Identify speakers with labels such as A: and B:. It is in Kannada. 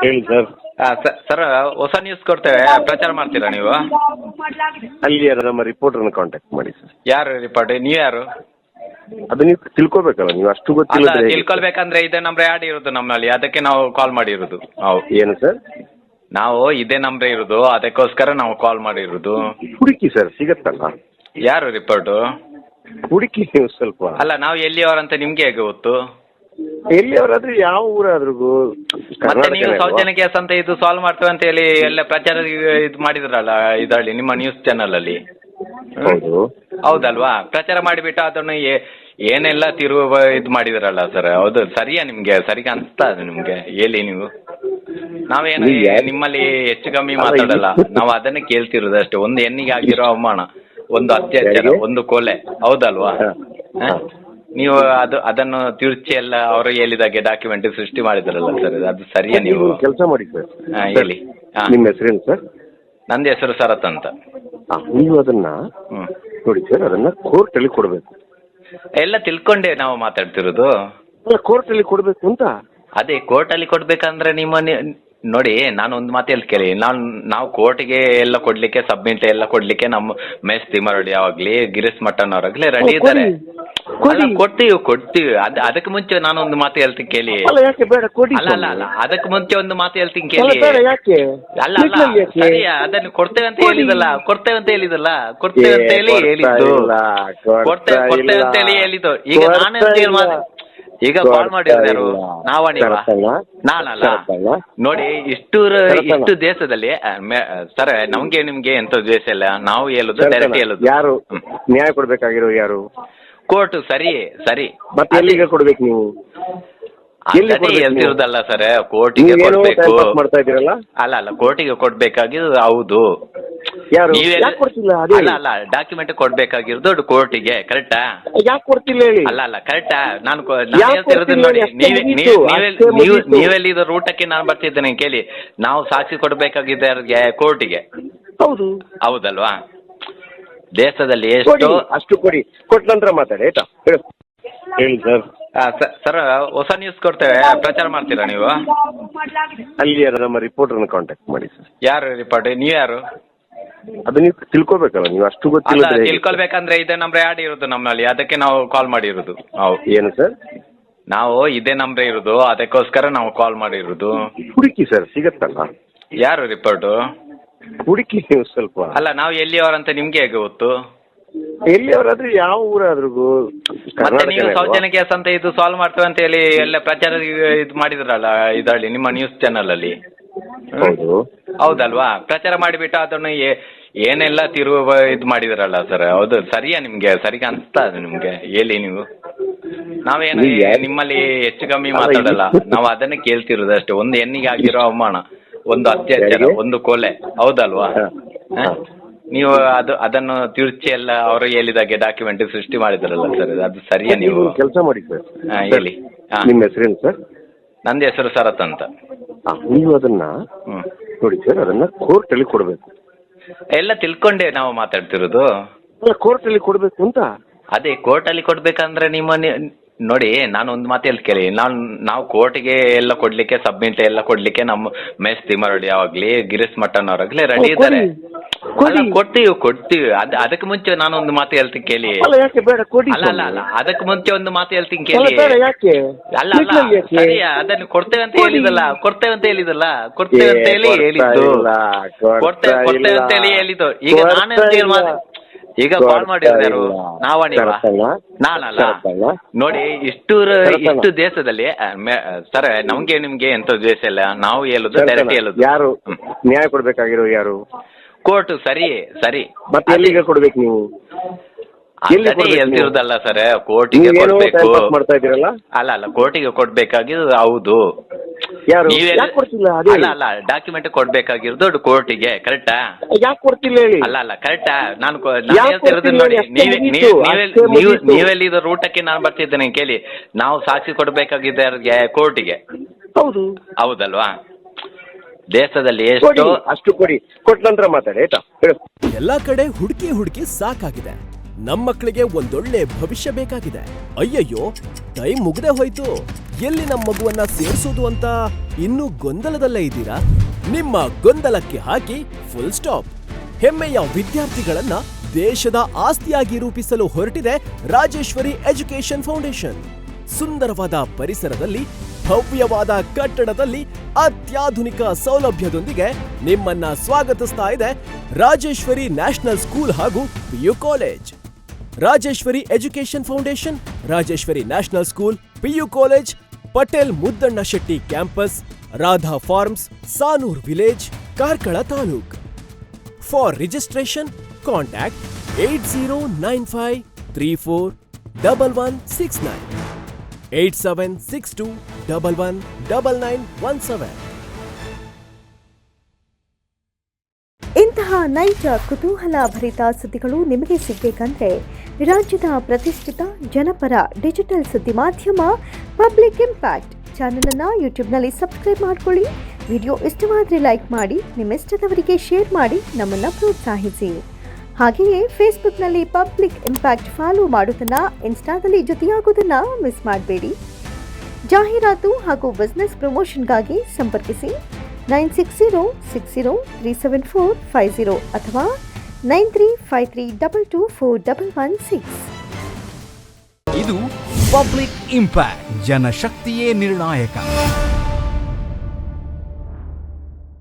A: ಹೇಳಿ ಸರ್.
B: ಸರ್ ಹೊಸ ನ್ಯೂಸ್ ಕೊಡ್ತೇವೆ, ಪ್ರಚಾರ ಮಾಡ್ತೀರಾ ನೀವು?
A: ಅಲ್ಲಿ ನಮ್ಮ ರಿಪೋರ್ಟರ್ನ ಕಾಂಟ್ಯಾಕ್ಟ್ ಮಾಡಿ ಸರ್.
B: ಯಾರು ರಿಪೋರ್ಟ್? ನೀವು ಯಾರು?
A: ಅದು ನೀವು ತಿಳ್ಕೊಬೇಕಲ್ಲ, ನೀವು ಅಷ್ಟು
B: ಅಲ್ಲ,
A: ಗೊತ್ತಿಲ್ಲ.
B: ತಿಳ್ಕೊಳ್ಬೇಕಂದ್ರೆ ಇದೇ ನಂಬರ್ ಆ್ಯಡ್ ಇರೋದು ನಮ್ಮಲ್ಲಿ, ಅದಕ್ಕೆ ನಾವು ಕಾಲ್ ಮಾಡಿರೋದು.
A: ಏನು ಸರ್?
B: ನಾವು ಇದೇ ನಂಬರ್ ಇರೋದು, ಅದಕ್ಕೋಸ್ಕರ ನಾವು ಕಾಲ್ ಮಾಡಿರೋದು.
A: ಹುಡುಕಿ ಸರ್, ಸಿಗತ್ತಲ್ಲ.
B: ಯಾರು ರಿಪೋರ್ಟು?
A: ಹುಡುಕಿ ನೀವು ಸ್ವಲ್ಪ.
B: ಅಲ್ಲ, ನಾವು ಎಲ್ಲಿಯವರಂತ ನಿಮ್ಗೆ ಹೇಗೆ ಗೊತ್ತು?
A: ಎಲ್ಲಿಯವರಾದ್ರೂ ಯಾವ ಊರಾದ್ರೂ
B: ಮತ್ತೆ ನೀವು ಸೌಜನ್ಯ ಕೇಸ್ ಅಂತ ಇದು ಸಾಲ್ವ್ ಮಾಡ್ತೇವೆ ಅಂತ ಹೇಳಿ ಎಲ್ಲ ಪ್ರಚಾರ ಇದು ಮಾಡಿದ್ರಲ್ಲ ಇದರಲ್ಲಿ ನಿಮ್ಮ ನ್ಯೂಸ್ ಚಾನಲ್ ಅಲ್ಲಿ.
A: ಹೌದು,
B: ಹೌದಲ್ವಾ? ಪ್ರಚಾರ ಮಾಡಿಬಿಟ್ಟು ಅದನ್ನು ಏನೆಲ್ಲ ತಿರುವು ಇದು ಮಾಡಿದ್ರಲ್ಲ ಸರ್. ಹೌದು, ಸರಿಯಾ? ನಿಮ್ಗೆ ಸರಿಗೆ ಅನಿಸ್ತಾ ಅದು ನಿಮ್ಗೆ? ಹೇಳಿ ನೀವು. ನಾವೇನು ನಿಮ್ಮಲ್ಲಿ ಹೆಚ್ಚು ಕಮ್ಮಿ ಮಾತಾಡಲ್ಲ, ನಾವು ಅದನ್ನೇ ಕೇಳ್ತಿರೋದು ಅಷ್ಟೇ. ಒಂದು ಹೆಣ್ಣಿಗೆ ಆಗಿರೋ ಅವಮಾನ, ಒಂದು ಅತ್ಯಾಚಾರ, ಒಂದು ಕೊಲೆ, ಹೌದಲ್ವಾ? ನೀವು ಅದನ್ನು ತಿರುಚಿ ಎಲ್ಲ ಅವರು ಹೇಳಿದಾಗೆ ಡಾಕ್ಯುಮೆಂಟ್ ಸೃಷ್ಟಿ ಮಾಡಿದ್ರಲ್ಲ ಸರ್, ಅದು ಸರಿಯಾ? ನೀವು
A: ಕೆಲಸ ಮಾಡಿ ಸರ್.
B: ಹೇಳಿ.
A: ನಿಮ್ಮ ಹೆಸರೇನು ಸರ್?
B: ನಂದು ಹೆಸರು ಶರತ್ ಅಂತ.
A: ನೀವು ಅದನ್ನ ನೋಡಿ ಸರ್, ಅದನ್ನ ಕೋರ್ಟ್ ಅಲ್ಲಿ ಕೊಡ್ಬೇಕು.
B: ಎಲ್ಲ ತಿಳ್ಕೊಂಡೆ ನಾವು ಮಾತಾಡ್ತಿರೋದು.
A: ಕೋರ್ಟ್ ಅಲ್ಲಿ ಕೊಡ್ಬೇಕು ಅಂತ.
B: ಅದೇ ಕೋರ್ಟಲ್ಲಿ ಕೊಡ್ಬೇಕಂದ್ರೆ ನೋಡಿ, ನಾನು ಒಂದು ಮಾತು ಹೇಳ್ ಕೇಳಿ. ನಾವು ಕೋರ್ಟಿಗೆ ಎಲ್ಲ ಕೊಡ್ಲಿಕ್ಕೆ, ಸಬ್ಮಿಟ್ ಎಲ್ಲ ಕೊಡ್ಲಿಕ್ಕೆ ನಮ್ಮ ಮೆಸ್ ತಿಮ್ಮರಡಿ ಯಾವಾಗ್ಲಿ, ಗಿರೀಶ್ ಮಟ್ಟನ್ ಅವರಾಗ್ಲಿ ರೆಡಿ ಇದ್ದಾರೆ. ಕೊಡ್ತೀವಿ. ಅದಕ್ಕೆ ಮುಂಚೆ ನಾನು ಒಂದು ಮಾತು ಹೇಳ್ತೀನಿ ಕೇಳಿ. ಅಲ್ಲ, ಅದಕ್ಕೆ ಮುಂಚೆ ಒಂದು ಮಾತು ಹೇಳ್ತೀನಿ ಕೇಳಿ. ಅಲ್ಲ, ಸರಿಯಾ? ಅದನ್ನು ಕೊಡ್ತೇವೆ ಅಂತ ಹೇಳಿದಲ್ಲ, ಕೊಡ್ತೇವೆ ಅಂತ ಹೇಳಿ ಹೇಳಿದ್ದು. ಕೊಡ್ತೇವೆ ಅಂತ ಹೇಳಿ ಹೇಳಿದ್ದು. ಈಗ ನಾನೇ ಈಗ ಕಾಲ್ ಮಾಡಿರೋದು ಯಾರು? ನಾನಲ್ಲ. ನೋಡಿ, ಇಷ್ಟು ದೇಶದಲ್ಲಿ ಸರ್, ನಮ್ಗೆ ನಿಮ್ಗೆ ಎಂತ ದ್ವೇಷ ಇಲ್ಲ. ನಾವು ಹೇಳುದು ಡೈರೆಕ್ಟ್ ಹೇಳುದು.
A: ಯಾರು ನ್ಯಾಯ ಕೊಡ್ಬೇಕಾಗಿರೋ? ಯಾರು?
B: ಕೋರ್ಟ್. ಸರಿ.
A: ಮತ್ತೆ ಎಲ್ಲಿಗೆ ಕೊಡ್ಬೇಕು ನೀವು?
B: ಹೇಳ್ತಿರೋದಲ್ಲ ಸರ್, ಕೋರ್ಟಿಗೆ ಕೊಡ್ಬೇಕು.
A: ಮಾಡ್ತಾ ಇದ್ದೀರಲ್ಲ?
B: ಅಲ್ಲ, ಕೋರ್ಟಿಗೆ ಕೊಡ್ಬೇಕಾಗಿರೋದು. ಹೌದು. ಅಲ್ಲ, ಡಾಕ್ಯುಮೆಂಟ್ ಕೊಡ್ಬೇಕಾಗಿರೋದು ಕೋರ್ಟಿಗೆ, ಕರೆಕ್ಟಾ? ಯಾಕೆ ಕೊಡ್ತಿಲ್ಲ ಹೇಳಿ? ಅಲ್ಲ, ಕರೆಕ್ಟಾ? ನಾನು ಹೇಳ್ತಿರೋದು ನೋಡಿ, ನೀವೆಲ್ಲಿ ಇದು ರೂಟಕ್ಕೆ ನಾನು ಬರ್ತಿದ್ದೇನೆ ಕೇಳಿ. ನಾವು ಸಾಕ್ಷಿ ಕೊಡ್ಬೇಕಾಗಿದ್ದ ಕೋರ್ಟಿಗೆ.
A: ಹೌದು,
B: ಹೌದಲ್ವಾ? ದೇಶದಲ್ಲಿ ಎಷ್ಟು
A: ಅಷ್ಟು ಕೊಡಿ, ಕೊಟ್ಟ ನಂತರ ಮಾತಾಡಿ ಆಯ್ತಾ? ಹೇಳಿ ಸರ್.
B: ಸರ್ ಹೊಸ ನ್ಯೂಸ್ ಕೊಡ್ತೇವೆ, ಪ್ರಚಾರ ಮಾಡ್ತೀರಾ ನೀವು?
A: ಅಲ್ಲಿ ನಮ್ಮ ರಿಪೋರ್ಟರ್ನ ಕಾಂಟ್ಯಾಕ್ಟ್ ಮಾಡಿ ಸರ್.
B: ಯಾರು ರಿಪೋರ್ಟ್? ನೀವು ಯಾರು?
A: ಅದು ನೀವು ತಿಳ್ಕೊಬೇಕಲ್ಲ, ನೀವು ಅಷ್ಟು ಗೊತ್ತಿಲ್ಲ.
B: ತಿಳ್ಕೊಳ್ಬೇಕಂದ್ರೆ ಇದೇ ನಂಬರ್ ಆ್ಯಡ್ ಇರೋದು ನಮ್ಮಲ್ಲಿ, ಅದಕ್ಕೆ ನಾವು ಕಾಲ್ ಮಾಡಿರೋದು.
A: ಏನು ಸರ್?
B: ನಾವು ಇದೇ ನಂಬರ್ ಇರೋದು, ಅದಕ್ಕೋಸ್ಕರ ನಾವು ಕಾಲ್ ಮಾಡಿರೋದು.
A: ಹುಡುಕಿ ಸರ್, ಸಿಗತ್ತಲ್ಲ.
B: ಯಾರು ರಿಪೋರ್ಟು?
A: ಹುಡುಕಿ ನೀವು ಸ್ವಲ್ಪ.
B: ಅಲ್ಲ, ನಾವು ಎಲ್ಲಿಯವರಂತ ನಿಮ್ಗೆ ಹೇಗೆ ಗೊತ್ತು?
A: ಎಲ್ಲಿಯವರಾದ್ರೂ ಯಾವ ಊರಾದ್ರೂ
B: ಮತ್ತೆ ನೀವು ಸೌಜನ್ಯ ಕೇಸ್ ಅಂತ ಇದು ಸಾಲ್ವ್ ಮಾಡ್ತೇವೆ ಅಂತ ಹೇಳಿ ಎಲ್ಲ ಪ್ರಚಾರ ಇದು ಮಾಡಿದ್ರಲ್ಲ ಇದರಲ್ಲಿ ನಿಮ್ಮ ನ್ಯೂಸ್ ಚಾನಲ್ ಅಲ್ಲಿ. ಹೌದಲ್ವಾ? ಪ್ರಚಾರ ಮಾಡಿಬಿಟ್ಟು ಅದನ್ನು ಏನೆಲ್ಲ ತಿರುವು ಇದು ಮಾಡಿದ್ರಲ್ಲ ಸರ್. ಹೌದು, ಸರಿಯಾ? ನಿಮ್ಗೆ ಸರಿಗೆ ಅನಿಸ್ತಾ ಅದು ನಿಮ್ಗೆ? ಹೇಳಿ ನೀವು. ನಾವೇನು ನಿಮ್ಮಲ್ಲಿ ಹೆಚ್ಚು ಕಮ್ಮಿ ಮಾತಾಡಲ್ಲ, ನಾವು ಅದನ್ನೇ ಕೇಳ್ತಿರೋದು ಅಷ್ಟೇ. ಒಂದು ಹೆಣ್ಣಿಗೆ ಆಗಿರೋ ಅವಮಾನ, ಒಂದು ಅತ್ಯಾಚಾರ, ಒಂದು ಕೊಲೆ, ಹೌದಲ್ವಾ? ನೀವು ಅದನ್ನು ತಿರುಚಿ ಎಲ್ಲ ಅವರು ಹೇಳಿದಾಗೆ ಡಾಕ್ಯುಮೆಂಟ್ ಸೃಷ್ಟಿ ಮಾಡಿದ್ರಲ್ಲ ಸರ್, ಅದು ಸರಿಯಾ? ನೀವು
A: ಕೆಲಸ ಮಾಡಿ ಸರ್.
B: ಹೇಳಿ.
A: ನಿಮ್ಮ ಹೆಸರೇನು ಸರ್?
B: ನಂದು ಹೆಸರು ಶರತ್ ಅಂತ.
A: ನೀವು ಅದನ್ನ ನೋಡಿ ಸರ್, ಅದನ್ನ ಕೋರ್ಟ್ ಅಲ್ಲಿ ಕೊಡ್ಬೇಕು.
B: ಎಲ್ಲ ತಿಳ್ಕೊಂಡೆ ನಾವು ಮಾತಾಡ್ತಿರೋದು.
A: ಕೋರ್ಟ್ ಅಲ್ಲಿ ಕೊಡ್ಬೇಕು ಅಂತ.
B: ಅದೇ ಕೋರ್ಟಲ್ಲಿ ಕೊಡ್ಬೇಕಂದ್ರೆ ನೋಡಿ, ನಾನು ಒಂದು ಮಾತು ಹೇಳ್ ಕೇಳಿ. ನಾವು ಕೋರ್ಟಿಗೆ ಎಲ್ಲ ಕೊಡ್ಲಿಕ್ಕೆ, ಸಬ್ಮಿಟ್ ಎಲ್ಲ ಕೊಡ್ಲಿಕ್ಕೆ ನಮ್ಮ ಮೆಸ್ ತಿಮ್ಮರಡಿ ಯಾವಾಗ್ಲಿ, ಗಿರೀಶ್ ಮಟ್ಟನ್ ಅವರಾಗ್ಲಿ ರೆಡಿ ಇದ್ದಾರೆ. ಕೊಡ್ತೀವಿ. ಅದಕ್ಕೆ ಮುಂಚೆ ನಾನು ಒಂದು ಮಾತು ಹೇಳ್ತೀನಿ ಕೇಳಿ. ಅಲ್ಲ, ಅದಕ್ಕೆ ಮುಂಚೆ ಒಂದು ಮಾತು ಹೇಳ್ತೀನಿ ಕೇಳಿ. ಅಲ್ಲ, ಸರಿಯಾ? ಅದನ್ನು ಕೊಡ್ತೇವೆ ಅಂತ ಹೇಳಿದಲ್ಲ, ಕೊಡ್ತೇವೆ ಅಂತ ಹೇಳಿ ಹೇಳಿದ್ದು. ಕೊಡ್ತೇವೆ ಅಂತ ಹೇಳಿ ಹೇಳಿದ್ದು. ಈಗ ನಾನೇ ಈಗ ಕಾಲ್ ಮಾಡಿರೋದು ಯಾರು? ನಾನಲ್ಲ. ನೋಡಿ, ಇಷ್ಟು ದೇಶದಲ್ಲಿ ಸರ್, ನಮ್ಗೆ ನಿಮ್ಗೆ ಎಂತ ದ್ವೇಷ ಇಲ್ಲ. ನಾವು ಹೇಳುದು ಡೈರೆಕ್ಟ್ ಹೇಳುದು.
A: ಯಾರು ನ್ಯಾಯ ಕೊಡ್ಬೇಕಾಗಿರೋ? ಯಾರು?
B: ಕೋರ್ಟ್. ಸರಿ.
A: ಮತ್ತೆ ಎಲ್ಲಿಗೆ ಕೊಡ್ಬೇಕು ನೀವು?
B: ಹೇಳ್ತಿರೋದಲ್ಲ ಸರ್, ಕೋರ್ಟಿಗೆ ಕೊಡ್ಬೇಕು.
A: ಮಾಡ್ತಾ ಇದ್ದೀರಲ್ಲ?
B: ಅಲ್ಲ, ಕೋರ್ಟಿಗೆ ಕೊಡ್ಬೇಕಾಗಿರೋದು. ಹೌದು. ಅಲ್ಲ, ಡಾಕ್ಯುಮೆಂಟ್ ಕೊಡ್ಬೇಕಾಗಿರೋದು ಕೋರ್ಟಿಗೆ, ಕರೆಕ್ಟಾ?
A: ಯಾಕೆ ಕೊಡ್ತಿಲ್ಲ ಹೇಳಿ?
B: ಅಲ್ಲ, ಕರೆಕ್ಟಾ? ನಾನು ಹೇಳ್ತಿರೋದು ನೋಡಿ, ನೀವೆಲ್ಲಿ ಇದು ರೂಟಕ್ಕೆ ನಾನು ಬರ್ತಿದ್ದೇನೆ ಕೇಳಿ. ನಾವು ಸಾಕ್ಷಿ ಕೊಡ್ಬೇಕಾಗಿದ್ದ ಕೋರ್ಟಿಗೆ. ಹೌದಲ್ವಾ? ದೇಶದಲ್ಲಿ ಎಷ್ಟು
A: ಅಷ್ಟು ಕೊಡಿ, ಕೊಟ್ಟ ನಂತರ ಮಾತಾಡಿ ಆಯ್ತಾ?
C: ಎಲ್ಲಾ ಕಡೆ ಹುಡುಕಿ ಸಾಕಾಗಿದೆ. ನಮ್ಮ ಮಕ್ಕಳಿಗೆ ಒಂದೊಳ್ಳೆ ಭವಿಷ್ಯ ಬೇಕಾಗಿದೆ. ಅಯ್ಯಯ್ಯೋ, ಟೈಮ್ ಮುಗ್ದೇ ಹೋಯ್ತು. ಎಲ್ಲಿ ನಮ್ಮ ಮಗುವನ್ನ ಸೇರಿಸೋದು ಅಂತ ಇನ್ನೂ ಗೊಂದಲದಲ್ಲೇ ಇದ್ದೀರಾ? ನಿಮ್ಮ ಗೊಂದಲಕ್ಕೆ ಹಾಕಿ ಫುಲ್ ಸ್ಟಾಪ್. ಹೆಮ್ಮೆಯ ವಿದ್ಯಾರ್ಥಿಗಳನ್ನ ದೇಶದ ಆಸ್ತಿಯಾಗಿ ರೂಪಿಸಲು ಹೊರಟಿದೆ ರಾಜೇಶ್ವರಿ ಎಜುಕೇಶನ್ ಫೌಂಡೇಶನ್. ಸುಂದರವಾದ ಪರಿಸರದಲ್ಲಿ, ಭವ್ಯವಾದ ಕಟ್ಟಡದಲ್ಲಿ, ಅತ್ಯಾಧುನಿಕ ಸೌಲಭ್ಯದೊಂದಿಗೆ ನಿಮ್ಮನ್ನ ಸ್ವಾಗತಿಸ್ತಾ ಇದೆ ರಾಜೇಶ್ವರಿ ನ್ಯಾಷನಲ್ ಸ್ಕೂಲ್ ಹಾಗೂ PU college. Rajeshwari education foundation, Rajeshwari national school, PU college, Patel Muddanna Shetty campus, Radha farms, Sanur village, Karkala taluk. For registration contact 8095341169, 8762119917.
D: ಇಂತಹ ನೈಜ ಕುತೂಹಲ ಭರಿತ ಸುದ್ದಿಗಳು ನಿಮಗೆ ಸಿಗಬೇಕಂದ್ರೆ ರಾಜ್ಯದ ಪ್ರತಿಷ್ಠಿತ ಜನಪರ ಡಿಜಿಟಲ್ ಸುದ್ದಿ ಮಾಧ್ಯಮ ಪಬ್ಲಿಕ್ ಇಂಪ್ಯಾಕ್ಟ್ ಚಾನೆಲ್ ಅನ್ನು ಯೂಟ್ಯೂಬ್ನಲ್ಲಿ ಸಬ್ಸ್ಕ್ರೈಬ್ ಮಾಡ್ಕೊಳ್ಳಿ. ವಿಡಿಯೋ ಇಷ್ಟವಾದರೆ ಲೈಕ್ ಮಾಡಿ, ನಿಮ್ಮಿಷ್ಟದವರಿಗೆ ಶೇರ್ ಮಾಡಿ ನಮ್ಮನ್ನು ಪ್ರೋತ್ಸಾಹಿಸಿ. ಹಾಗೆಯೇ ಫೇಸ್ಬುಕ್ನಲ್ಲಿ ಪಬ್ಲಿಕ್ ಇಂಪ್ಯಾಕ್ಟ್ ಫಾಲೋ ಮಾಡೋದನ್ನ, ಇನ್ಸ್ಟಾದಲ್ಲಿ ಜೊತೆಯಾಗೋದನ್ನ ಮಿಸ್ ಮಾಡಬೇಡಿ. ಜಾಹೀರಾತು ಹಾಗೂ ಬಿಸ್ನೆಸ್ ಪ್ರಮೋಷನ್ಗಾಗಿ ಸಂಪರ್ಕಿಸಿ 9606037450 ಅಥವಾ 9353224116.
E: ಇದು ಪಬ್ಲಿಕ್ ಇಂಪ್ಯಾಕ್ಟ್, ಜನಶಕ್ತಿಯೇ ನಿರ್ಣಾಯಕ.